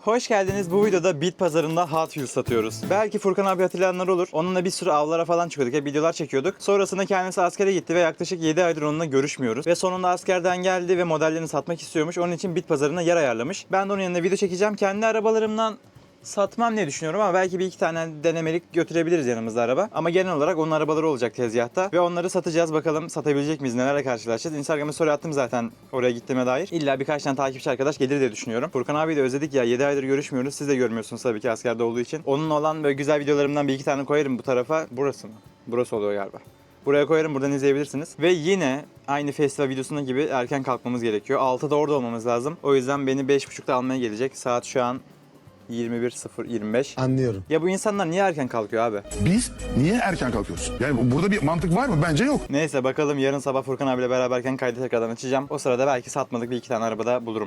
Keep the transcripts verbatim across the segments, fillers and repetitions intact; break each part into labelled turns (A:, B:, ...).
A: Hoş geldiniz. Bu videoda bit pazarında Hot Wheels satıyoruz. Belki Furkan abi hatırlayanlar olur. Onunla bir sürü avlara falan çıkıyorduk. Hep videolar çekiyorduk. Sonrasında kendisi askere gitti ve yaklaşık yedi aydır onunla görüşmüyoruz. Ve sonunda askerden geldi ve modellerini satmak istiyormuş. Onun için bit pazarına yer ayarlamış. Ben de onun yanına video çekeceğim. Kendi arabalarımdan satmam diye düşünüyorum ama belki bir iki tane denemelik götürebiliriz yanımızda araba. Ama genel olarak onun arabaları olacak tezgahta ve onları satacağız. Bakalım satabilecek miyiz? Nelerle karşılaşacağız? Instagram'a story attım zaten oraya gittiğime dair. İlla birkaç tane takipçi arkadaş gelir diye düşünüyorum. Furkan abi de özledik ya. yedi aydır görüşmüyoruz. Siz de görmüyorsunuz tabii ki askerde olduğu için. Onun olan böyle güzel videolarımdan bir iki tane koyarım bu tarafa. Burası mı? Burası oluyor galiba. Buraya koyarım, buradan izleyebilirsiniz. Ve yine aynı festival videosunda gibi erken kalkmamız gerekiyor. altıda orada olmamız lazım. O yüzden beni beş buçukta almaya gelecek. Saat şu an yirmi bir sıfır yirmi beş.
B: Anlıyorum.
A: Ya bu insanlar niye erken kalkıyor abi?
C: Biz niye erken kalkıyoruz? Yani burada bir mantık var mı? Bence yok.
A: Neyse bakalım, yarın sabah Furkan abiyle beraberken kaydı tekrardan açacağım. O sırada belki satmadık bir iki tane arabada bulurum.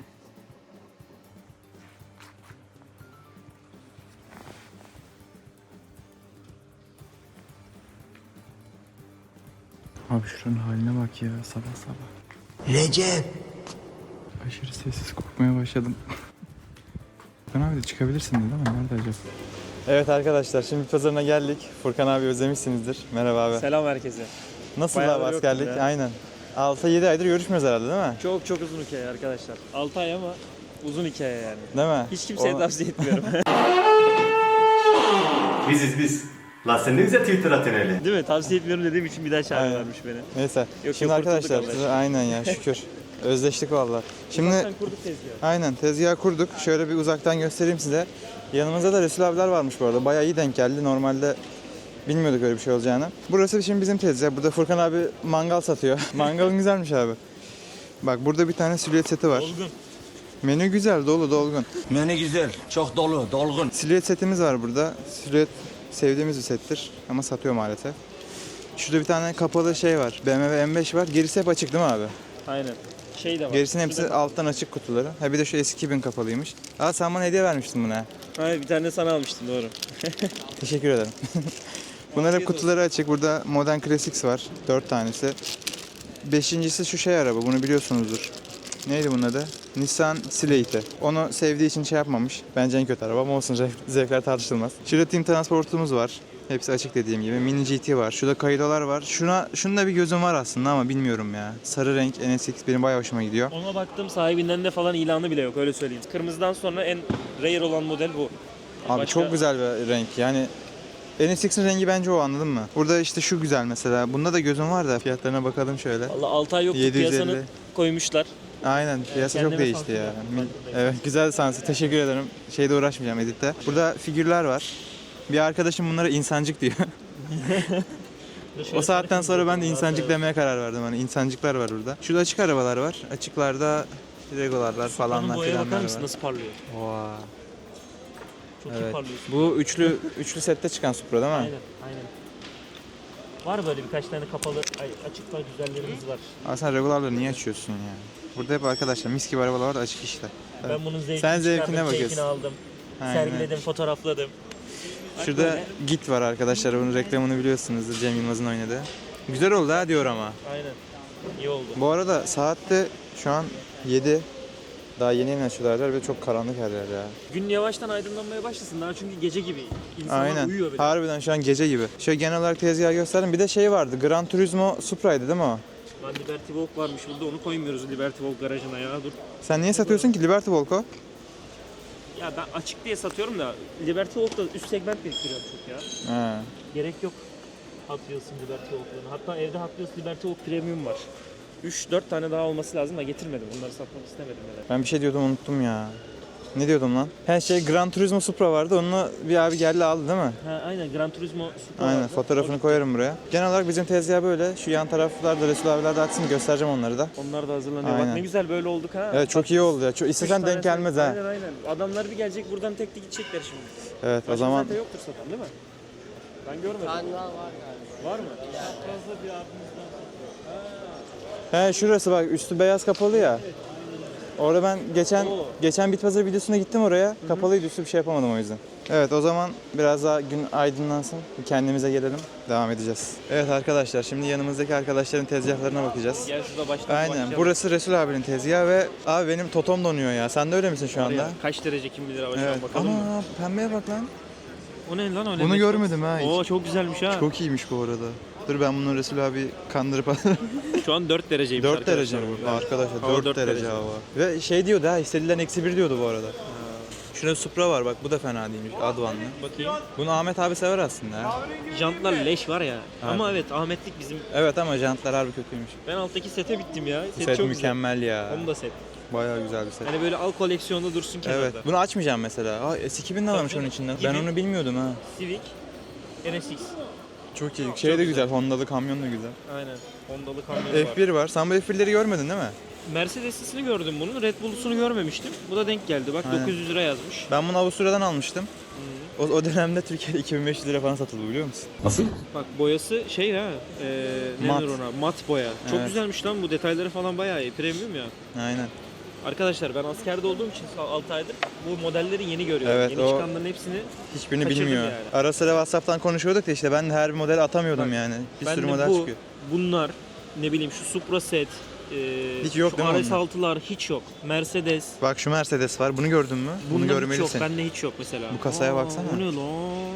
A: Abi şuranın haline bak ya, sabah sabah.
B: Recep.
A: Aşırı sessiz korkmaya başladım. Furkan abi de çıkabilirsin dedi ama nerede acaba? Evet arkadaşlar, şimdi pazarına geldik. Furkan abi özlemişsinizdir. Merhaba abi.
D: Selam herkese.
A: Nasıl
D: Bayağıdır
A: abi askerlik?
D: yoktum ya.
A: Aynen. altı yedi aydır görüşmüyoruz herhalde değil mi?
D: Çok çok uzun hikaye arkadaşlar. altı ay ama uzun hikaye yani.
A: Değil mi?
D: Hiç kimseye
A: O-
D: tavsiye etmiyorum.
E: Biziz biz. La sen ne güzel Twitter atıyorsun öyle.
D: Değil mi? Tavsiye etmiyorum dediğim için bir daha çağırıyorlarmış beni.
A: Neyse.
D: Yok,
A: Şimdi
D: yok,
A: arkadaşlar
D: kurtulduk
A: size- aynen ya şükür. Özleştik vallahi. Şimdi
D: Uzaktan kurduk tezgahı.
A: aynen tezgah kurduk. Şöyle bir uzaktan göstereyim size. Yanımızda da Resul abiler varmış bu arada. Bayağı iyi denk geldi. Normalde bilmiyorduk öyle bir şey olacağını. Burası şimdi bizim tezgah. Burada Furkan abi mangal satıyor. Mangalın güzelmiş abi. Bak burada bir tane silüet seti var.
D: Olgun.
A: Menü güzel, dolu, dolgun.
B: Menü güzel, çok dolu, dolgun.
A: Silüet setimiz var burada. Silüet sevdiğimiz bir settir ama satıyor maalesef. Şurada bir tane kapalı şey var. B M W M beş var. Gerisi hep açık değil mi abi?
D: Aynen. Şey de var.
A: Gerisinin hepsi
D: Şurada-
A: alttan açık kutuları. Ha bir de şu S iki bin kapalıymış. Aa sen bana hediye vermiştin buna.
D: Hayır, bir tane sana almıştım, doğru.
A: Teşekkür ederim. Bunlar hep kutuları açık. Burada Modern Classics var. Dört tanesi. Beşincisi şu şey araba. Bunu biliyorsunuzdur. Neydi bunun adı? Nissan Slate'i. Onu sevdiği için şey yapmamış. Bence en kötü araba ama olsun, zevk- zevkler tartışılmaz. Şurada Team Transport'umuz var. Hepsi açık dediğim gibi. Mini G T var. Şurada Kaido'lar var. Şuna, şunda bir gözüm var aslında ama bilmiyorum ya. Sarı renk N S X benim bayağı hoşuma gidiyor.
D: Ona baktım, sahibinden de falan ilanı bile yok, öyle söyleyeyim. Kırmızıdan sonra en rare olan model bu.
A: Abi
D: Başka-
A: çok güzel bir renk. Yani N S X'in rengi bence o, anladın mı? Burada işte şu güzel mesela. Bunda da gözüm var da fiyatlarına bakalım şöyle.
D: Valla altı ay yoktu,
A: yedi yüz elli.
D: piyasanı koymuşlar.
A: Aynen, piyasa çok
D: kendime
A: değişti
D: sansür
A: ya.
D: yaptım.
A: Mil- Evet, güzel sansı. Teşekkür ederim. Şeyde uğraşmayacağım editte. Burada figürler var. Bir arkadaşım bunlara insancık diyor. O saatten sonra ben de insancık demeye karar verdim. Hani insancıklar var burada. Şurada açık arabalar var. Açıklarda Regolarlar falanlar
D: Boyaya
A: filanlar
D: bakar
A: var.
D: mısın nasıl parlıyor?
A: Oha.
D: Çok iyi
A: Evet.
D: parlıyorsun.
A: Bu üçlü üçlü sette çıkan Supra değil mi?
D: Aynen, aynen. Var böyle birkaç tane kapalı, ay, açık var, güzellerimiz var.
A: Ama sen Regolarları niye açıyorsun ya? Burada hep arkadaşlar mis gibi arabalar var da açık işte.
D: Ben bunun zevkini
A: Sen zevkine
D: çıkardım,
A: bakıyorsun.
D: keyfini aldım.
A: Aynen.
D: Sergiledim, fotoğrafladım. Bak
A: Şurada
D: böyle.
A: Git var arkadaşlar. Bunun reklamını biliyorsunuzdur. Cem Yılmaz'ın oynadığı. Güzel oldu ha diyor ama.
D: Aynen. İyi oldu.
A: Bu arada saatte şu an yedi. Daha yeni yeni açıyorlar ve çok karanlık her yer ya.
D: Gün yavaştan aydınlanmaya başlasın daha, çünkü gece gibi. İnsanlar
A: Aynen.
D: uyuyor bile.
A: Harbiden şu an gece gibi. Şöyle genel olarak tezgahı gösterdim. Bir de şey vardı. Gran Turismo Supra'ydı değil mi o?
D: Lan Liberty Walk varmış burada, onu koymuyoruz Liberty Walk garajına ya, dur.
A: Sen niye satıyorsun ki Liberty Volco?
D: Ya ben açık diye satıyorum da Liberty Walk'ta üst segment biriktiriyorum çok ya.
A: Ha.
D: Gerek yok Hot Wheels'ın Liberty Walk'larına. Hatta evde Hot Wheels Liberty Walk Premium var. üç dört tane daha olması lazım da getirmedim. Bunları satmak istemedim yani.
A: Ben bir şey diyordum, unuttum ya. Ne diyordum lan? Her şey Gran Turismo Supra vardı. Onu bir abi geldi aldı değil mi?
D: Ha, aynen, Gran Turismo Supra
A: Aynen,
D: vardı.
A: fotoğrafını
D: O-
A: koyarım buraya. Genel olarak bizim tezgah böyle. Şu yan taraflarda Resul abiler de atsın, göstereceğim onları da.
D: Onlar da hazırlanıyor.
A: Aynen.
D: Bak ne güzel böyle olduk ha.
A: Evet, çok iyi oldu ya. Çok,
D: Üç
A: istesen denk
D: tanesi-
A: gelmez ha.
D: Aynen aynen. Adamlar bir gelecek buradan tek tek gidecekler şimdi.
A: Evet, o
D: Başka
A: zaman
D: zaten yoktur satan değil mi? Ben görmedim. Var var galiba. Var mı?
A: he şurası bak, üstü beyaz kapalı ya. Orada ben geçen
D: Oo.
A: geçen bit pazarı videosuna gittim oraya. Kapalıydı, üstü bir şey yapamadım o yüzden. Evet, o zaman biraz daha gün aydınlansın. Bir kendimize gelelim. Devam edeceğiz. Evet arkadaşlar, şimdi yanımızdaki arkadaşların tezgahlarına bakacağız.
D: Gel şurada baştan
A: Aynen.
D: başlayalım.
A: Burası Resul abinin tezgahı ve abi benim totom donuyor ya. Sen de öyle misin şu
D: Var
A: anda?
D: ya, kaç derece kim bilir hava şu an
A: Evet.
D: bakalım mı?
A: Ama pembeye bak lan.
D: O ne lan öyle?
A: Bunu
D: bir-
A: görmedim ha hiç.
D: Oo çok güzelmiş ha.
A: Çok iyiymiş bu arada. Dur ben bunu Resul abi kandırıp
D: Şu an dört dereceymiş
A: dört
D: arkadaşlar.
A: derece mi?
D: Evet.
A: Arkadaşlar
D: Hava
A: dört
D: dört
A: derece
D: derece.
A: hava. Ve şey diyordu ha, hissedilen eksi bir diyordu bu arada. Şurada Supra var bak, bu da fena değilmiş, Advan'lı.
D: Bakayım.
A: Bunu Ahmet abi sever aslında ya.
D: Jantlar leş var ya. Ama evet Ahmetlik bizim.
A: Evet ama jantlar harbi kötüymüş.
D: Ben alttaki sete bittim ya. Set,
A: Set
D: çok
A: mükemmel ya.
D: güzel. Onu da set.
A: Bayağı güzel bir set.
D: Hani böyle al koleksiyonda dursun kenarda.
A: Evet. Bunu açmayacağım mesela. Aa, S iki bin de varmış
D: Tabii.
A: onun içinden. Ben
D: Gibi.
A: onu bilmiyordum ha.
D: Civic N S X.
A: Çok iyi. Şey de güzel. Honda'lı kamyon da güzel.
D: Aynen. Hondalı kamyonu var.
A: F bir var. Sen bu F birleri görmedin değil mi?
D: Mercedes'ini gördüm bunun. Red Bull'sunu görmemiştim. Bu da denk geldi. Bak
A: Aynen.
D: dokuz yüz lira yazmış.
A: Ben bunu Avusturya'dan almıştım. O, o dönemde Türkiye'de iki bin beş yüz lira falan satıldı, biliyor musun?
D: Bak boyası şey ha. E, ne
A: Mat.
D: denir ona? Mat boya. Çok
A: Evet.
D: güzelmiş lan bu. Detayları falan bayağı iyi. Premium ya.
A: Aynen.
D: Arkadaşlar ben askerde olduğum için altı aydır bu modelleri yeni görüyorum.
A: Evet,
D: yeni
A: o-
D: çıkanların hepsini
A: Hiçbirini
D: Kaçırdım
A: bilmiyor.
D: yani.
A: Ara sıra WhatsApp'tan konuşuyorduk da işte ben de her bir model atamıyordum
D: Bak,
A: yani. Bir
D: ben
A: sürü
D: de
A: model
D: bu,
A: çıkıyor.
D: bunlar ne bileyim şu Supra set, e,
A: Hiç yok
D: şu
A: değil mi
D: R S altılar hiç yok. Mercedes.
A: Bak şu Mercedes var. Bunu gördün mü? Bunu
D: Bundan hiç
A: görmelisin.
D: yok. Bende hiç yok mesela.
A: Bu kasaya baksana.
D: Bu ne lan?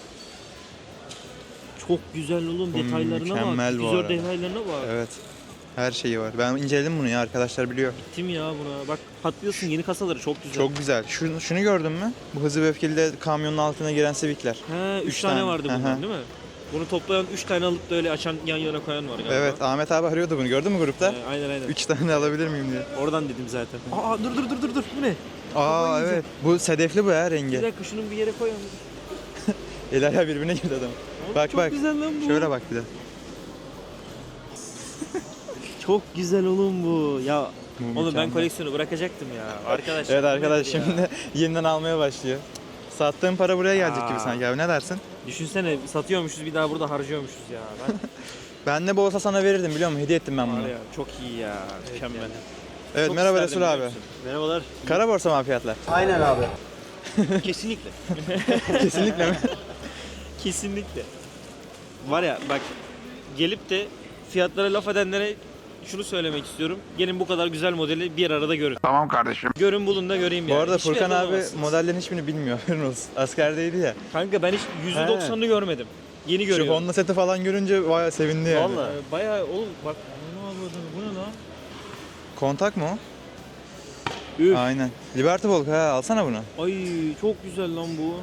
D: Çok güzel oğlum,
A: Bu
D: detaylarına
A: mükemmel
D: bak.
A: bu
D: Güzel
A: arada.
D: detaylarına bak.
A: Evet. Her şeyi var. Ben inceledim bunu ya, arkadaşlar biliyor.
D: Gittim ya buna. Bak Hot Wheels'ın yeni kasaları çok güzel.
A: Çok güzel. Şunu, şunu gördün mü? Bu Hızlı ve Öfkeli'de kamyonun altına giren Civic'ler.
D: He, üç
A: Üç
D: tane,
A: tane.
D: vardı
A: Hı hı.
D: bundan değil mi? Bunu toplayan üç tane alıp da öyle açan yan yana koyan var galiba.
A: Evet, Ahmet abi arıyordu bunu. Gördün mü grupta?
D: He, aynen aynen.
A: Üç tane alabilir miyim diye.
D: Oradan dedim zaten. Aa dur dur dur dur dur. Bu ne?
A: Aa
D: yiyeceğim.
A: evet. Bu sedefli bu ya,
D: Bir
A: rengi.
D: dakika şunun bir yere koyalım.
A: El ayağı birbirine girdi adam. Bak
D: Çok
A: bak.
D: güzel lan bu.
A: Şöyle bak bir de.
D: Çok güzel oğlum bu. Ya
A: Bu
D: oğlum ben
A: mükemmel.
D: koleksiyonu bırakacaktım ya. Arkadaşlar.
A: Evet
D: bu
A: arkadaş,
D: nedir ya?
A: şimdi yeniden almaya başlıyor. Sattığım para buraya gelecek gibi
D: Aa.
A: sanki abi, ne dersin?
D: Düşünsene satıyormuşuz bir daha burada harcıyormuşuz ya. Ben
A: Ben de bu olsa sana verirdim, biliyor musun? Hediye ettim ben bunu.
D: var ya çok iyi ya. Mükemmel.
A: Evet,
D: Çok
A: merhaba
D: isterdim,
A: Resul
D: biliyor
A: abi.
D: musun? Merhabalar.
A: Kara borsa mı abi fiyatlar?
D: Kesinlikle.
A: Kesinlikle mi?
D: Kesinlikle. Var ya bak gelip de fiyatlara laf edenlere şunu söylemek istiyorum. Gelin bu kadar güzel modeli bir arada görün.
C: Tamam kardeşim.
D: Görün bulun da göreyim
A: Bu
D: yani.
A: arada
D: Hiçbir
A: Furkan
D: yerde
A: abi
D: bulamazsınız.
A: modellerin hiçbirini bilmiyor. Haberin olsun. Askerdeydi ya.
D: Kanka ben hiç yüzde doksanını görmedim. Yeni
A: Şu
D: görüyorum.
A: Honda seti falan görünce bayağı sevindi yani.
D: Vallahi. Ee, bayağı oğlum bak. Ne yapıyordun? Bu ne lan?
A: Kontak mı o?
D: Üf.
A: Aynen. Liberty Volk ha, alsana bunu.
D: Ay çok güzel lan bu.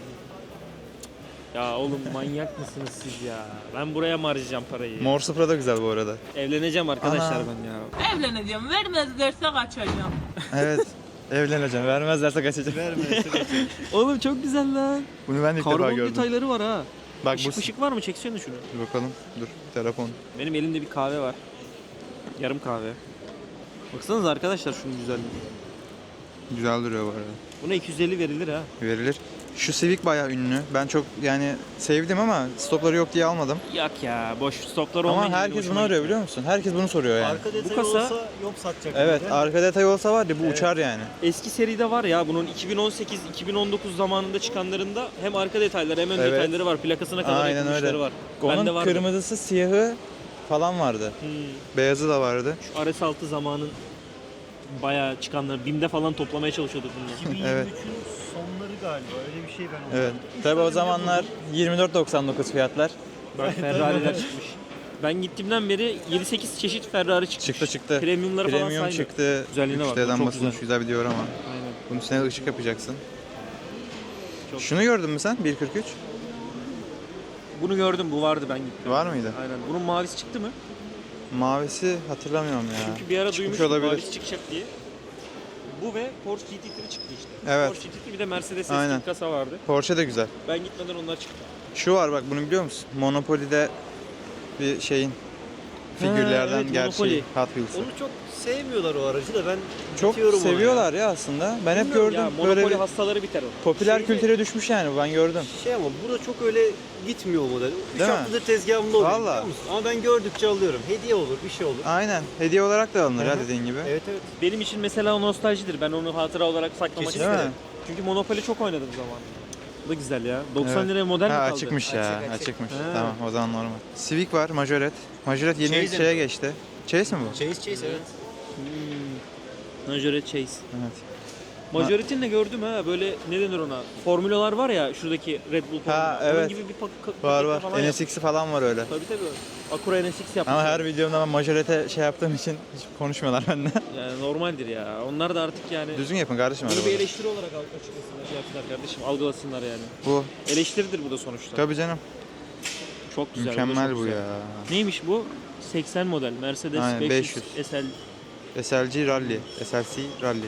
D: Ya oğlum manyak mısınız siz ya? Ben buraya mı harcayacağım parayı?
A: Mor Supra da güzel bu arada.
D: Evleneceğim arkadaşlar
A: Ana.
D: ben ya.
F: Evleneceğim. Vermezlerse kaçacağım.
A: Evet. Evleneceğim. Vermezlerse kaçacağım.
D: Oğlum çok güzel lan.
A: Bunu ben de ilk defa
D: Karbon
A: gördüm.
D: detayları var ha.
A: Bak
D: Işık
A: bu...
D: ışık var mı? Çeksene şunu.
A: Dur bakalım. Dur. Telefon.
D: Benim elimde bir kahve var. Yarım kahve. Baksanıza arkadaşlar şunun güzelliğine.
A: Güzel duruyor bu arada.
D: Buna iki yüz elli verilir ha.
A: Verilir. Şu Civic bayağı ünlü. Ben çok yani sevdim ama stopları yok diye almadım.
D: Yak ya boş stoplar
A: Ama
D: olmayınca
A: herkes
D: hoşuma
A: bunu arıyor
D: gitti.
A: biliyor musun? Herkes bunu soruyor yani.
D: Bu kasa
A: Evet, arka detay olsa var ya bu uçar yani.
D: eski seride var ya bunun iki bin on sekiz iki bin on dokuz zamanında çıkanlarında hem arka detayları hem ön
A: Evet.
D: detayları var. Plakasına kadar
A: Aynen
D: yapılmışları
A: öyle.
D: var. Bende
A: Onun
D: vardı.
A: kırmızısı, siyahı falan vardı.
D: Hmm.
A: Beyazı da vardı.
D: Şu R S altı zamanın bayağı çıkanları BİM'de falan toplamaya çalışıyorduk bunları.
A: Evet.
G: sonları galiba öyle bir şey ben
A: Evet. Tabii o zamanlar yirmi dört doksan dokuz fiyatlar.
D: Bak Ferrari'ler çıkmış. Ben gittiğimden beri yedi sekiz çeşit Ferrari çıkmış.
A: Çıktı çıktı.
D: Premiumları falan
A: Premium
D: saymıyorum.
A: çıktı.
D: Güzelliğine bak,
A: üç D'den
D: çok
A: basılmış
D: güzel.
A: güzel bir diyor ama.
D: Aynen.
A: Bunun üstüne ışık yapacaksın.
D: Çok
A: Şunu gördün mü sen? bir kırk üç.
D: Bunu gördüm, bu vardı ben gittim.
A: Var mıydı?
D: Aynen. Bunun mavisi çıktı mı?
A: Mavisi hatırlamıyorum ya.
D: Çünkü bir ara
A: Çıkmış
D: duymuştum
A: olabilir.
D: mavisi çıkacak diye. Bu ve Porsche G T üç çıktı işte.
A: Evet.
D: Porsche G T üç bir de Mercedes
A: Aynen.
D: eski kasa vardı.
A: Porsche de güzel.
D: Ben gitmeden onlar çıktı.
A: Şu var bak, bunu biliyor musun? Monopoly'de bir şeyin figürlerden
D: evet,
A: gerçeği
D: Monopoly.
A: Hot Wheels'ı.
G: Onu çok sevmiyorlar o aracı da ben
A: Çok
G: bitiyorum ona
A: seviyorlar ya. aslında. Ben hep
D: Bilmiyorum
A: gördüm
D: ya,
A: böyle
D: Monopoly
A: bir
D: hastaları biter o.
A: popüler
G: Şeyde-
A: kültüre düşmüş yani ben gördüm.
G: ya. Şey ama bu da çok öyle gitmiyor o model. üç
A: Değil mi?
G: haftadır tezgahımda oluyor
A: Valla.
G: biliyor musun? Ama ben gördükçe alıyorum. Hediye olur, bir şey olur.
A: Aynen. Hediye olarak da alınır
G: Hı
A: ya
G: hı.
A: dediğin gibi.
G: Evet evet.
D: Benim için mesela o nostaljidir. Ben onu hatıra olarak saklamak
G: Kesinlikle.
D: isterim. Çünkü Monopoly çok oynadım zamanında. Bu da güzel ya. doksan
A: Evet.
D: liraya model mi
A: Ha,
D: kaldı?
A: açıkmış ya.
G: Açık, açık.
A: Açıkmış.
D: Ha.
A: Tamam o zaman normal. Civic var, Majoret. Majoret yeni
G: Chase
A: şeye geçti. Chase mi bu?
G: Chase Chase evet.
D: Hmm. Majorette Chase.
A: Evet.
D: Majorette'ini de gördüm ha. Böyle ne denir ona? Formülalar var ya şuradaki Red Bull formülü.
A: Ha,
D: Onun
A: evet.
D: gibi bir pak- pakette
A: Var var.
D: falan
A: N
D: yap-
A: S X'i falan var öyle.
D: Tabii tabii. Acura N S X yapmış.
A: Ama her videomda ben Majoret'e şey yaptığım için hiç konuşmuyorlar benden.
D: Yani normaldir ya. Onlar da artık yani
A: Düzgün yapın kardeşim
D: bunu bir
A: arabayı.
D: eleştiri olarak al- açıklasınlar, şey yapsınlar kardeşim. Algılasınlar yani.
A: Bu.
D: Eleştiridir bu da sonuçta.
A: Tabii canım.
D: Çok güzel. bu da
A: Mükemmel
D: çok
A: bu
D: güzel.
A: ya.
D: Neymiş bu? seksen model Mercedes
A: Aynen,
D: beş yüz,
A: beş yüz.
D: S L.
A: S L G Rally. S L C Rally.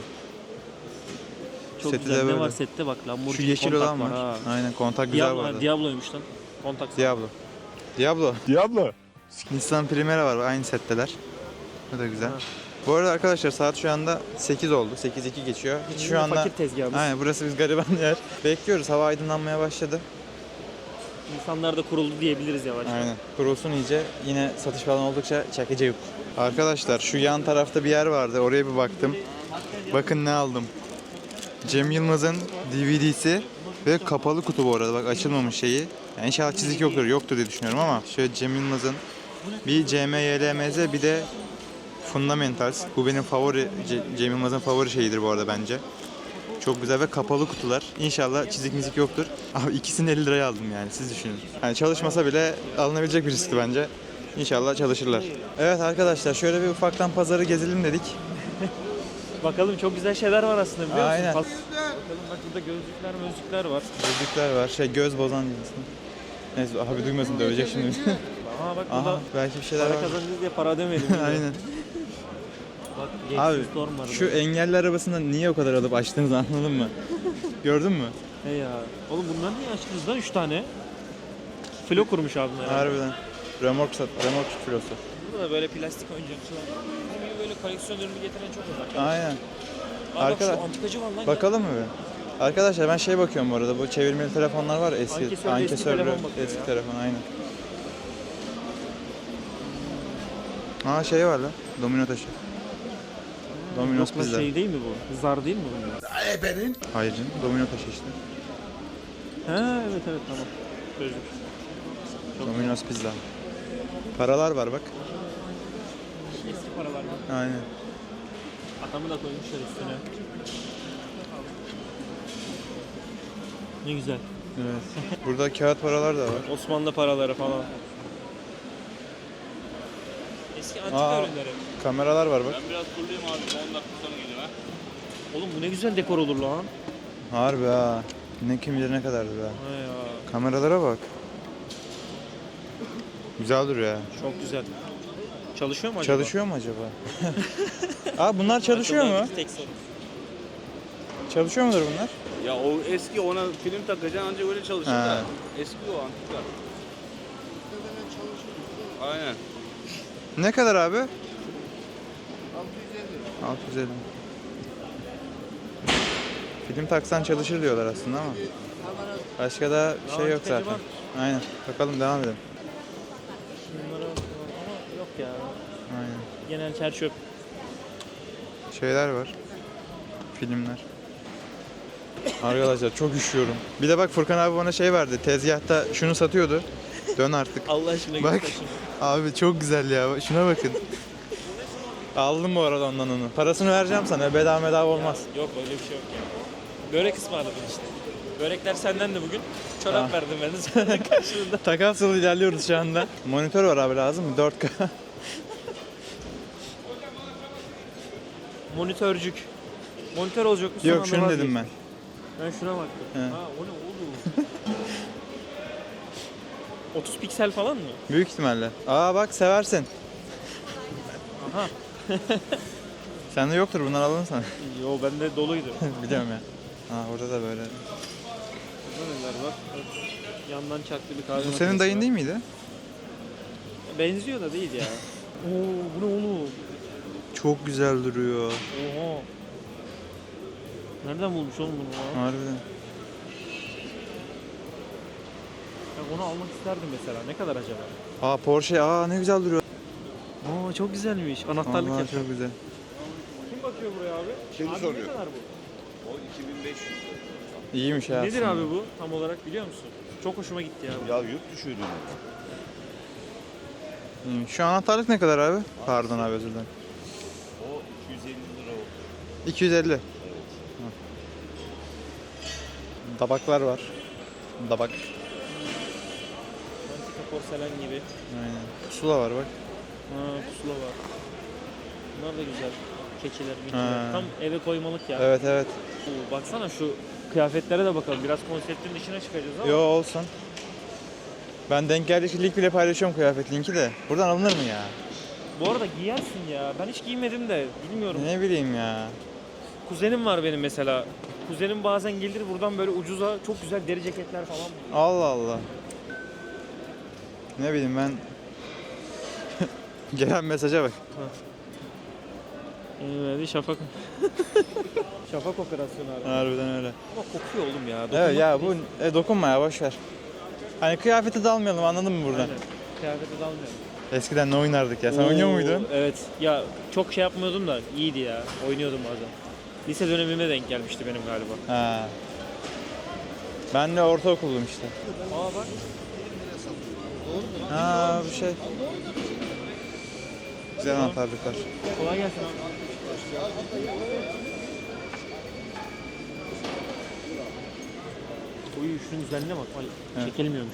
D: Çok
A: Seti de
D: güzel. Ne
A: böyle.
D: var sette bak
A: Şu
D: Lamborghini
A: yeşil
D: kontak
A: olan var.
D: ha.
A: Aynen kontak güzel
D: Diablo,
A: vardı.
D: ha, Diablo'ymuş lan. Kontak.
A: Diablo. Diablo.
C: Diablo.
A: Nissan Primera var aynı setteler. Bu da güzel.
D: Ha.
A: Bu arada arkadaşlar saat şu anda sekiz oldu. sekiz iki geçiyor. Hiç şu anda
D: Fakir tezgahımız.
A: Aynen burası biz gariban yer. Bekliyoruz. Hava aydınlanmaya başladı.
D: İnsanlar da kuruldu diyebiliriz yavaş.
A: Aynen. Kurulsun iyice. Yine satış falan oldukça çekici yok. Arkadaşlar şu yan tarafta bir yer vardı. Oraya bir baktım. Bakın ne aldım. Cem Yılmaz'ın D V D'si ve kapalı kutu bu arada. Bak açılmamış şeyi. Yani inşallah çizik yoktur. Yoktur diye düşünüyorum ama şöyle Cem Yılmaz'ın bir C M Y L M Z bir de Fundamentals. Bu benim favori, Ce- Cem Yılmaz'ın favori şeyidir bu arada bence. Çok güzel ve kapalı kutular. İnşallah çizik mizik yoktur. Abi ikisini elli liraya aldım yani siz düşünün. Yani çalışmasa bile alınabilecek bir riskti bence. İnşallah çalışırlar. Evet arkadaşlar şöyle bir ufaktan pazarı gezelim dedik.
D: Bakalım çok güzel şeyler var aslında biliyor musun?
A: Aynen.
D: Bakalım bak burada gözlükler gözlükler var.
A: Gözlükler var. Şey göz bozan diyorsun. Neyse abi duymasın dövecek şimdi.
D: Aha bak
A: Aha
D: burada
A: belki bir şeyler
D: para
A: var.
D: kazanacağız diye para ödemeyelim.
A: Aynen.
D: Bak
A: Abi
D: Lexus Storm var.
A: şu engelli arabasından niye o kadar alıp açtığınızı anladın mı? Gördün mü?
D: He ya. Oğlum bunlar niye açtınız lan üç tane? Flo kurmuş abim herhalde.
A: Harbiden. Remork sat, remork filosu.
D: Burada da böyle plastik oyuncakçılar. Bizim gibi böyle koleksiyon ürünü getiren çok uzak.
A: Aynen.
D: Aa, bak
A: Arkadaş-
D: şu antikacı var lan.
A: Bakalım mı bir? Arkadaşlar ben şey bakıyorum bu arada. Bu çevirmeli telefonlar var ya eski.
D: Ankesörlü eski
A: Ankesörlü
D: telefon bakıyor
A: eski
D: ya.
A: telefon aynen. Aa şey var lan. Domino taşı. Domino's
D: Yok lan
A: pizza.
D: şey değil mi bu? Zar değil mi bunlar?
A: Hayır canım. Domino taşı işte.
D: Ha evet evet tamam. Gözlük.
A: Domino's pizza. Paralar var bak.
D: Eski paralar var.
A: Aynen.
D: Adamı da koymuşlar üstüne. Ne güzel.
A: Evet. Burada kağıt paralar da var.
D: Osmanlı paraları falan. Eski antika
A: Aa.
D: ürünleri.
A: Kameralar var bak.
H: Biraz kuruluyum abi. on dakika sonra geliyor ha.
D: Oğlum bu ne güzel dekor olur lan.
A: Harbi ha. Ne kim bilir ne kadardı be.
D: Ha ya.
A: Kameralara bak. Güzel duruyor ya.
D: Çok güzel. Çalışıyor mu acaba?
A: Çalışıyor mu acaba? Aa bunlar çalışıyor mu?
D: Tek soru.
A: Çalışıyor mudur bunlar?
H: Ya o eski ona film takacaksın ancak öyle çalışır
A: Ha.
H: da. Eski o antika. Aynen.
A: Ne kadar abi? altı yüz elli. Film taksan çalışır diyorlar aslında ama. Başka da bir şey yok
D: antikacı
A: zaten.
D: var.
A: Aynen. Bakalım devam edelim.
D: Bunlara ama yok ya.
A: Aynen.
D: Genel çer çöp.
A: Şeyler var. Filmler. Arkadaşlar çok üşüyorum. Bir de bak Furkan abi bana şey verdi. Tezgahta şunu satıyordu. Dön artık.
D: Allah aşkına
A: Bak.
D: göster şunu.
A: Abi çok güzel ya. Şuna bakın. Aldım bu arada ondan onu. Parasını vereceğim sana. Bedava bedava olmaz.
D: Yok öyle bir şey yok ya. Börek ısmarladın işte. Börekler senden de bugün. Çorap
A: Ha.
D: verdim ben de sana karşılığında.
A: Takas yolu ilerliyoruz şu anda. Monitör var abi lazım mı? dört K.
D: Monitörcük. Monitör olacak mı? Son
A: Yok
D: anda
A: şunu dedim
D: vazgeçtim.
A: ben.
D: Ben şuna baktım.
A: He.
D: Ha o ne oğlum? otuz piksel falan mı?
A: Büyük ihtimalle. Aa bak seversin.
D: Aha.
A: Sende yoktur bunlar alın sana.
D: Yo bende doluydu.
A: Biliyorum ya. Ha orada da böyle.
D: Burada neler var? Yandan çaklı bir kahve
A: Bu
D: makinesi
A: senin dayın
D: var.
A: değil miydi?
D: Benziyor da değil ya. Oo bu ne oğlum?
A: Çok güzel duruyor.
D: Oha. Nereden bulmuş oğlum bunu ya?
A: Harbiden.
D: Ben onu almak isterdim mesela. Ne kadar acaba?
A: Aa Porsche, aa ne güzel duruyor.
D: Aa çok güzelmiş. Anahtarlık
A: Vallahi
D: yapıyor.
A: çok güzel.
D: Kim bakıyor buraya abi?
C: Şimdi
D: abi
C: soruyor.
D: ne kadar bu?
H: O iki bin beş yüz.
A: İyiymiş ya.
D: Nedir
A: aslında.
D: abi bu tam olarak biliyor musun? Çok hoşuma gitti ya.
H: Ya yurt dışı ürünü.
A: İyiymiş. Şu anahtarlık ne kadar abi? Pardon abi, özür dilerim.
H: O iki yüz elli lira o.
A: iki yüz elli. Ha. Tabaklar var. Tabak.
D: Antika porselen gibi.
A: Aynen. Pusula var bak.
D: Ha pusula var. Bunlar da güzel. Keçiler,
A: Ha.
D: mikiler. Tam eve koymalık ya.
A: Evet evet.
D: Oo, baksana şu kıyafetlere de bakalım. Biraz konseptin dışına çıkacağız ama.
A: Yo olsun. Ben denk geldikçe link bile paylaşıyorum, kıyafet linki de. Buradan alınır mı ya?
D: Bu arada giyersin ya. Ben hiç giymedim de bilmiyorum.
A: Ne bileyim ya.
D: Kuzenim var benim mesela. Kuzenim bazen gelir buradan böyle ucuza çok güzel deri ceketler falan buluyor.
A: Allah Allah. Ne bileyim ben. Gelen mesaja bak.
D: Evet, şafak. Şafak operasyonu abi.
A: Harbiden öyle.
D: Ama kokuyor oğlum ya.
A: Evet ya
D: dokunmak
A: bu e, dokunma ya, boş ver. Hani kıyafete dalmayalım, anladın mı buradan?
D: Aynen. Kıyafete dalmıyorum.
A: Eskiden ne oynardık ya? Sen oynuyor
D: Oo,
A: muydun?
D: Evet. Ya çok şey yapmıyordum da iyiydi ya. Oynuyordum bazen. Lise dönemime denk gelmişti benim galiba.
A: Ha. Ben de ortaokullum işte.
D: Aa bak.
A: Ha bir şey. Güzel anahtarlıklar.
D: Kolay gelsin abi. Uy şunun güzelliğine bak. Ay,
A: Evet.
D: çekilmiyormuş.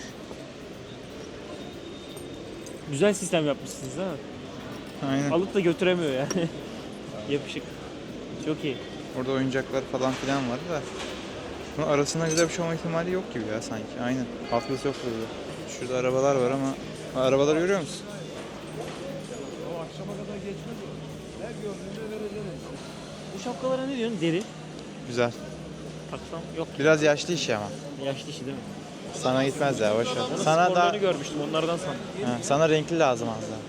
D: Güzel sistem yapmışsınız ha.
A: Aynen.
D: Alıp da götüremiyor yani. Yapışık. Çok iyi.
A: Orada oyuncaklar falan filan var da. Bunun arasında güzel bir şey olma ihtimali yok gibi ya sanki. Aynen. Atlas yok burada. Şurada arabalar var ama ha, arabaları görüyor musun?
D: Bu şapkalara ne diyorsun? Deri.
A: Güzel.
D: Taksam yok.
A: Biraz yaşlı işi ama.
D: Yaşlı işi değil mi?
A: Sana gitmez ya, boş ver.
D: Sana
A: Sana da
D: sporlarını görmüştüm onlardan sandım.
A: ha, sana renkli lazım az daha.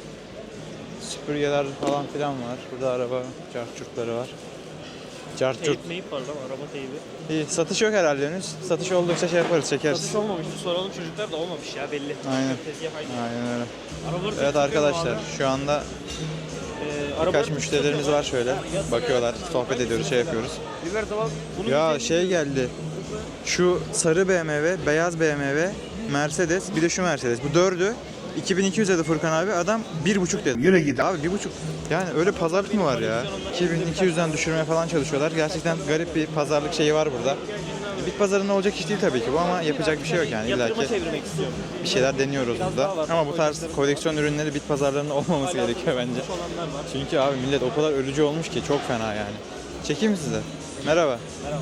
A: Süpürgeler falan filan var. Burada araba cartçurtları var. Cartçurt.
D: Teyip meyip var lan araba teybi.
A: İyi, satış yok herhalde henüz. Satış oldukça şey yaparız, çekeriz.
D: Satış olmamıştı soralım çocuklar da olmamış ya belli.
A: Aynen.
D: Tezgah aynı.
A: Aynen öyle.
D: Arabaları
A: Evet
D: çok
A: arkadaşlar,
D: seviyorum
A: şu anda
D: abi. Ee,
A: birkaç
D: arabaları
A: müşterilerimiz var şöyle. Bakıyorlar, sohbet ediyoruz, şey yapıyoruz.
D: Biber tabak. Bunun
A: Ya
D: güzelliği-
A: şey geldi. Şu sarı B M W, beyaz B M W, Mercedes, bir de şu Mercedes. Bu dördü iki bin iki yüz dedi Furkan abi. Adam bir buçuk dedi.
C: Yürü git.
A: Abi bir buçuk. Yani öyle pazarlık mı var ya? iki bin iki yüzden düşürmeye falan çalışıyorlar. Gerçekten garip bir pazarlık şeyi var burada. Bit pazarında olacak iş değil tabii ki bu ama yapacak bir şey yok yani. İlla
D: Yatırıma
A: ki
D: çevirmek istiyorum.
A: bir şeyler deniyoruz burada. Ama bu tarz koleksiyon ürünleri bit pazarlarında olmaması gerekiyor bence.
D: Boş olanlar var.
A: Çünkü abi millet o kadar ölücü olmuş ki çok fena yani. Çekeyim mi size? Merhaba.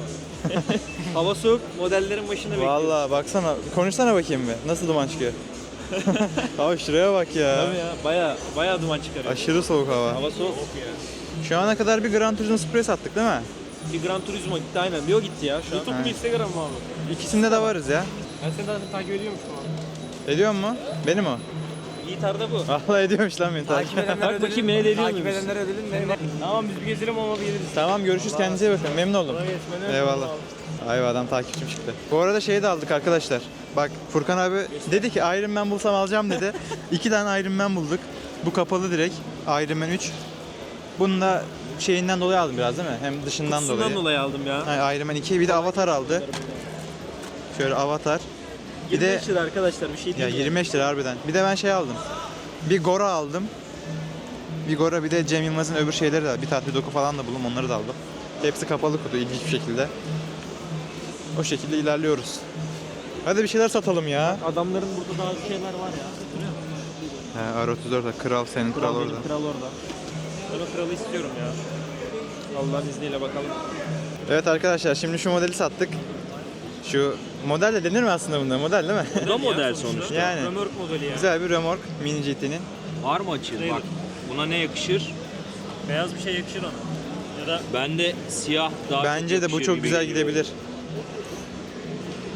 D: Hava soğuk, modellerin başında bekliyoruz.
A: Vallahi baksana, konuşsana bakayım bir. Nasıl duman çıkıyor? Abi şuraya bak ya.
D: Tabii ya, baya baya duman çıkarıyor.
A: Aşırı soğuk hava.
D: Hava soğuk.
A: Şu ana kadar bir Gran Turismo Spray sattık değil mi?
D: Bir Gran Turismo gitti aynen. Bir o gitti ya şu an.
A: Ha.
D: mu Instagram mı abi?
A: İkisinde de varız ya.
D: Ben seni zaten takip ediyormuşum abi.
A: Ediyor mu? Benim o.
D: Yiğitar'da bu.
A: Vallahi ediyormuş lan beni takip.
D: Bak bakayım beni de ediyor muymuş?
G: ödülün ne?
D: Tamam biz bir gezelim ama bir geliriz.
A: Tamam görüşürüz, kendinize iyi bakın. Memnun oldum.
D: Kolay gelsin, ben de
A: Eyvallah.
D: memnun oldum.
A: Ay adam takipçim çıktı. Bu arada şeyi de aldık arkadaşlar. Bak Furkan abi dedi ki Iron Man bulsam alacağım dedi. İki tane Iron Man bulduk. Bu kapalı direkt. Iron Man üç. Bunu da şeyinden dolayı aldım biraz değil mi? Hem dışından
D: Kutusundan
A: dolayı.
D: dolayı aldım ya.
A: Yani Iron Man iki, bir de Avatar aldı. Şöyle Avatar. Bir de
D: yirmi beş lira arkadaşlar bir şey
A: ya
D: değil.
A: yirmi beş lira harbiden. Bir de ben şey aldım. Bir Gora aldım. Bir Gora, bir de Cem Yılmaz'ın öbür şeyleri de, bir tatlı doku falan da buldum, onları da aldım. Hepsi kapalı kutu ilginç bir şekilde. O şekilde ilerliyoruz. Hadi bir şeyler satalım ya.
D: Adamların burada daha şeyler var ya. Görüyor musun?
A: He, R otuz dört, kral senin, kral,
D: Kral,
A: orada.
D: benim, kral orada. Ben o kralı istiyorum ya. Allah'ın izniyle bakalım.
A: Evet arkadaşlar, şimdi şu modeli sattık. Şu model de denir mi aslında bunda? Model değil mi?
H: Bu da model sonuçta.
A: Yani
D: Römork modeli ya.
A: güzel bir remork Mini G T'nin.
H: Var mı açığın? Bak buna ne yakışır?
D: Beyaz bir şey yakışır ona. Ya da
H: Bende siyah daha
A: Bence
H: çok
A: de bu
H: yakışır
A: çok
H: gibi
A: güzel
H: geliyor.
A: gidebilir.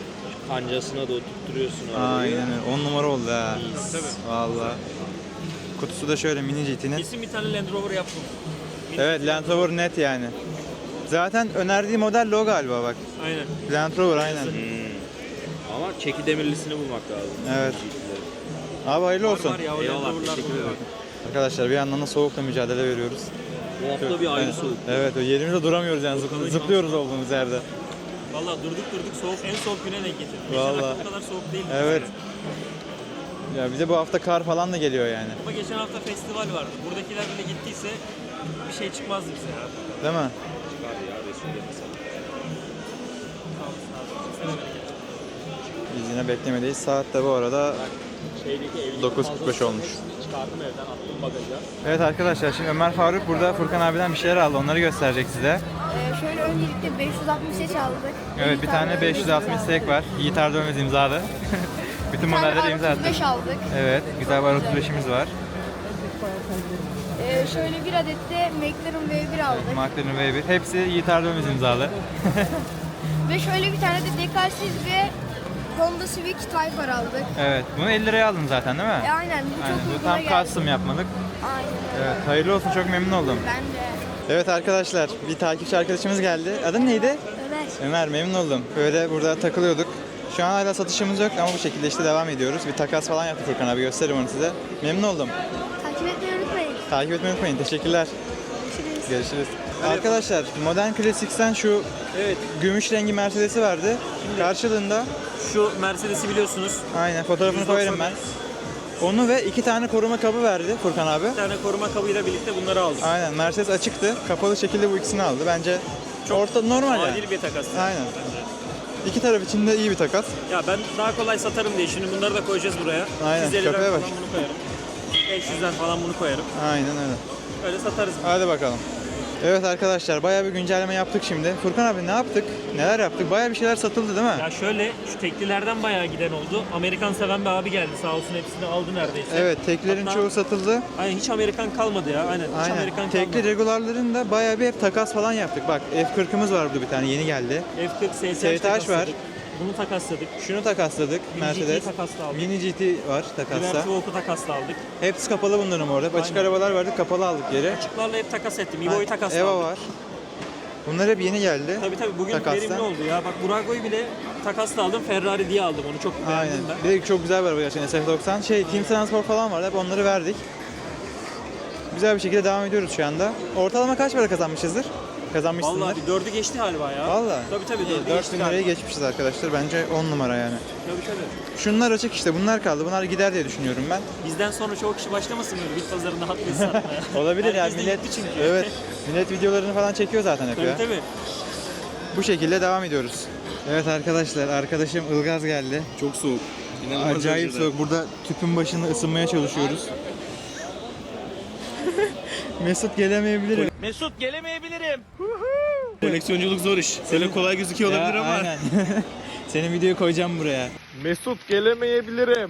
H: Kancasına da oturtturuyorsun arabayı.
A: Aynen öyle. on numara oldu ha.
D: tabii.
A: Vallahi. Kutusu da şöyle mini G T'nin.
D: Kesin bir tane Land Rover yaptım.
A: Evet, Land Rover net yani. Zaten önerdiği model de o galiba bak.
D: Aynen.
A: Land Rover aynen.
H: Ama çeki demirlisini bulmak lazım.
A: Evet. Abi hayırlı olsun.
D: Var ya o Land
H: Eyvallah,
D: Rover'lar
H: teşekkür
D: var.
H: ederim.
A: Arkadaşlar bir yandan da soğukla mücadele veriyoruz.
H: Bu hafta bir ayrı soğuk.
A: Evet, o yerimizde duramıyoruz yani zıp- zıplıyoruz olduğumuz yerde.
D: Valla durduk durduk soğuk en soğuk güne denk getirdik. Geçen
A: Vallahi.
D: hafta bu kadar soğuk değildi.
A: Evet. Ya bir de bu hafta kar falan da geliyor yani.
D: Ama geçen hafta festival vardı. Buradakiler bile gittiyse bir şey çıkmazdı bize ya.
A: Değil mi?
H: Çıkardı ya Resul'e mesela.
D: Sağ olasın abi. Sen de bereket.
A: Biz yine beklemedeyiz. Saat de bu arada
H: Şeydeki evlilik
A: dokuz kırk beş olmuş.
H: çıkardım evden attım bagaja.
A: Evet arkadaşlar, şimdi Ömer Faruk burada Furkan abiden bir şeyler aldı. Onları gösterecek size.
I: Ee, şöyle öncelikle beş yüz altmış seç aldık.
A: Evet, bir tane beş yüz altmış sek var. Yiğit Erdömez imzalı. Bütün
I: Bir tane
A: modelleri imza
I: R
A: attı.
I: otuz beş aldık.
A: Evet, güzel bir R otuz beşimiz var.
I: Ee, şöyle bir adet de McLaren V bir aldık.
A: McLaren V bir. Hepsi Yiğit Erdömez imzalı.
I: Ve şöyle bir tane de dekalsiz ve Honda Civic Type R aldık.
A: Evet, bunu elli liraya aldın zaten değil mi?
I: E, aynen bu
A: Aynen,
I: çok
A: bu
I: uyguna
A: tam
I: geldi.
A: custom yapmadık.
I: Aynen öyle.
A: Evet, hayırlı olsun, çok memnun oldum.
I: Ben de.
A: Evet arkadaşlar, bir takipçi arkadaşımız geldi. Adın neydi?
I: Ömer.
A: Ömer, memnun oldum. Böyle burada takılıyorduk. Şu an hala satışımız yok ama bu şekilde işte devam ediyoruz. Bir takas falan yaptı Furkan abi, gösteririm onu size. Memnun oldum.
I: Takip etmeyi unutmayın.
A: Takip etmeyi unutmayın. Teşekkürler.
I: Görüşürüz.
A: Görüşürüz. Arkadaşlar, Modern Classics'ten şu
D: Evet.
A: gümüş rengi Mercedes'i vardı. Karşılığında
D: Şu Mercedes'i biliyorsunuz.
A: aynen fotoğrafını koyarım ben. Onu ve iki tane koruma kabı verdi Furkan abi.
D: Bir tane koruma kabıyla birlikte bunları aldık.
A: Aynen, Mercedes açıktı. Kapalı şekilde bu ikisini aldı. Bence orta normal yani.
D: Adil bir takas.
A: Aynen. İki taraf için de iyi bir takas.
D: Ya ben daha kolay satarım diye şimdi bunları da koyacağız buraya.
A: Aynen,
D: yüz elli liradan
A: köpeğe bak.
D: falan bunu koyarım. beş yüzden falan bunu koyarım.
A: Aynen öyle.
D: Öyle satarız.
A: Hadi bakalım. Evet arkadaşlar, bayağı bir güncelleme yaptık şimdi. Furkan abi ne yaptık? Neler yaptık? Bayağı bir şeyler satıldı değil mi?
D: Ya şöyle şu teklilerden bayağı giden oldu. Amerikan seven bir abi geldi sağ olsun, hepsini aldı neredeyse.
A: Evet, teklerin
D: Hatta-
A: çoğu satıldı.
D: Aynen hiç Amerikan kalmadı ya. Aynen, hiç
A: Aynen.
D: Amerikan
A: Tekli
D: kalmadı.
A: regularların da bayağı bir hep takas falan yaptık. Bak F kırkımız var burada bir tane, yeni geldi.
D: F kırk S S
A: S T H var.
D: takasladık. Bunu takasladık.
A: Şunu takasladık,
D: Mini G T'yi
A: Mercedes.
D: takasla aldık.
A: Mini G T var takasta.
D: Divertivo'yu takasla aldık.
A: Hepsi kapalı bunların orada. Açık
D: Aynen.
A: arabalar vardı, kapalı aldık geri.
D: Açıklarla hep takas ettim. Evo'yu takasla
A: Eva
D: aldık.
A: var. Bunlar hep yeni geldi.
D: Tabii tabii bugün
A: Takasla.
D: verimli oldu ya. Bak Burago'yu bile takasla aldım. Ferrari diye aldım onu. Çok
A: Aynen.
D: beğendim ben.
A: Bir de çok güzel bir araba gerçekten S F doksan. Şey, Team Transport falan vardı. Hep onları verdik. Güzel bir şekilde devam ediyoruz şu anda. Ortalama kaç para kazanmışızdır? Kazanmışsındır.
D: Vallahi bir dördü geçti galiba ya.
A: Vallahi.
D: Tabii tabii dördü
A: dört
D: geçti
A: bin
D: galiba.
A: liraya geçmişiz arkadaşlar. Bence on numara yani.
D: Tabii tabii.
A: Şunlar açık işte. Bunlar kaldı. Bunlar gider diye düşünüyorum ben.
D: Bizden sonra çoğu kişi başlamasın böyle bit pazarında Hot Wheels satmaya.
A: Olabilir ya.
D: Herkes de
A: Millet,
D: gitti çünkü.
A: evet. Millet videolarını falan çekiyor zaten hep
D: Tabii
A: ya.
D: tabii.
A: Bu şekilde devam ediyoruz. Evet arkadaşlar, arkadaşım Ilgaz geldi.
H: Çok soğuk.
A: Acayip soğuk. Burada tüpün başında ısınmaya çalışıyoruz. Mesut gelemeyebilir.
D: Mesut gelemeyebilirim.
H: Koleksiyonculuk zor iş. Böyle kolay gözüküyor
A: Ya, aynen. Senin videoyu koyacağım buraya.
H: Mesut gelemeyebilirim.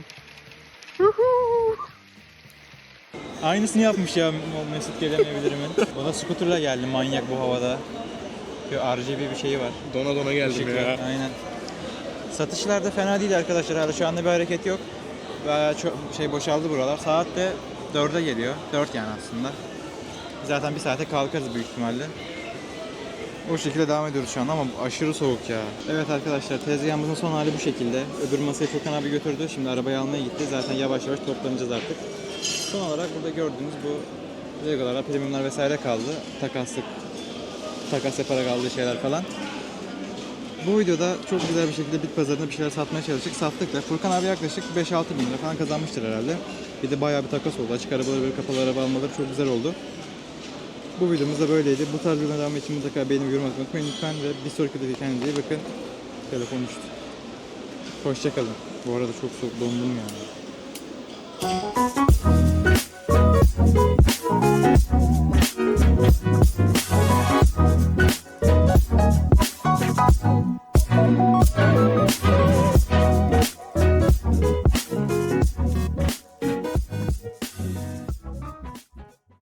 A: Aynısını yapmış ya o Mesut gelemeyebilirimin. O da scooter'la geldi, manyak bu havada. Bir R G B bir şeyi var.
H: Dona dona geldim
A: Işıklı.
H: ya.
A: Aynen. Satışlar da fena değil arkadaşlar. Hala şu anda bir hareket yok. Bayağı çok şey boşaldı buralar. Saat de dörde geliyor. dört yani aslında. Zaten bir saate kalkarız büyük ihtimalle. O şekilde devam ediyoruz şu anda ama aşırı soğuk ya. Evet arkadaşlar, tezgahımızın son hali bu şekilde. Öbür masayı Furkan abi götürdü. Şimdi arabayı almaya gitti. Zaten yavaş yavaş toplanacağız artık. Son olarak burada gördüğünüz bu Legolar, premiumlar vesaire kaldı. Takaslık, takas yaparak aldığı şeyler falan. Bu videoda çok güzel bir şekilde bit pazarında bir şeyler satmaya çalıştık. Sattık da Furkan abi yaklaşık beş altı bin lira falan kazanmıştır herhalde. Bir de bayağı bir takas oldu. Açık arabaları böyle kapalı araba almaları çok güzel oldu. Bu videomuz da böyleydi. Bu tarz videoların devamı için mutlaka beğenip yorum atmayı unutmayın lütfen ve bir sonraki videoda kendinize iyi bakın. Telefon düştü. Hoşça kalın. Bu arada çok soğuk, dondum yani.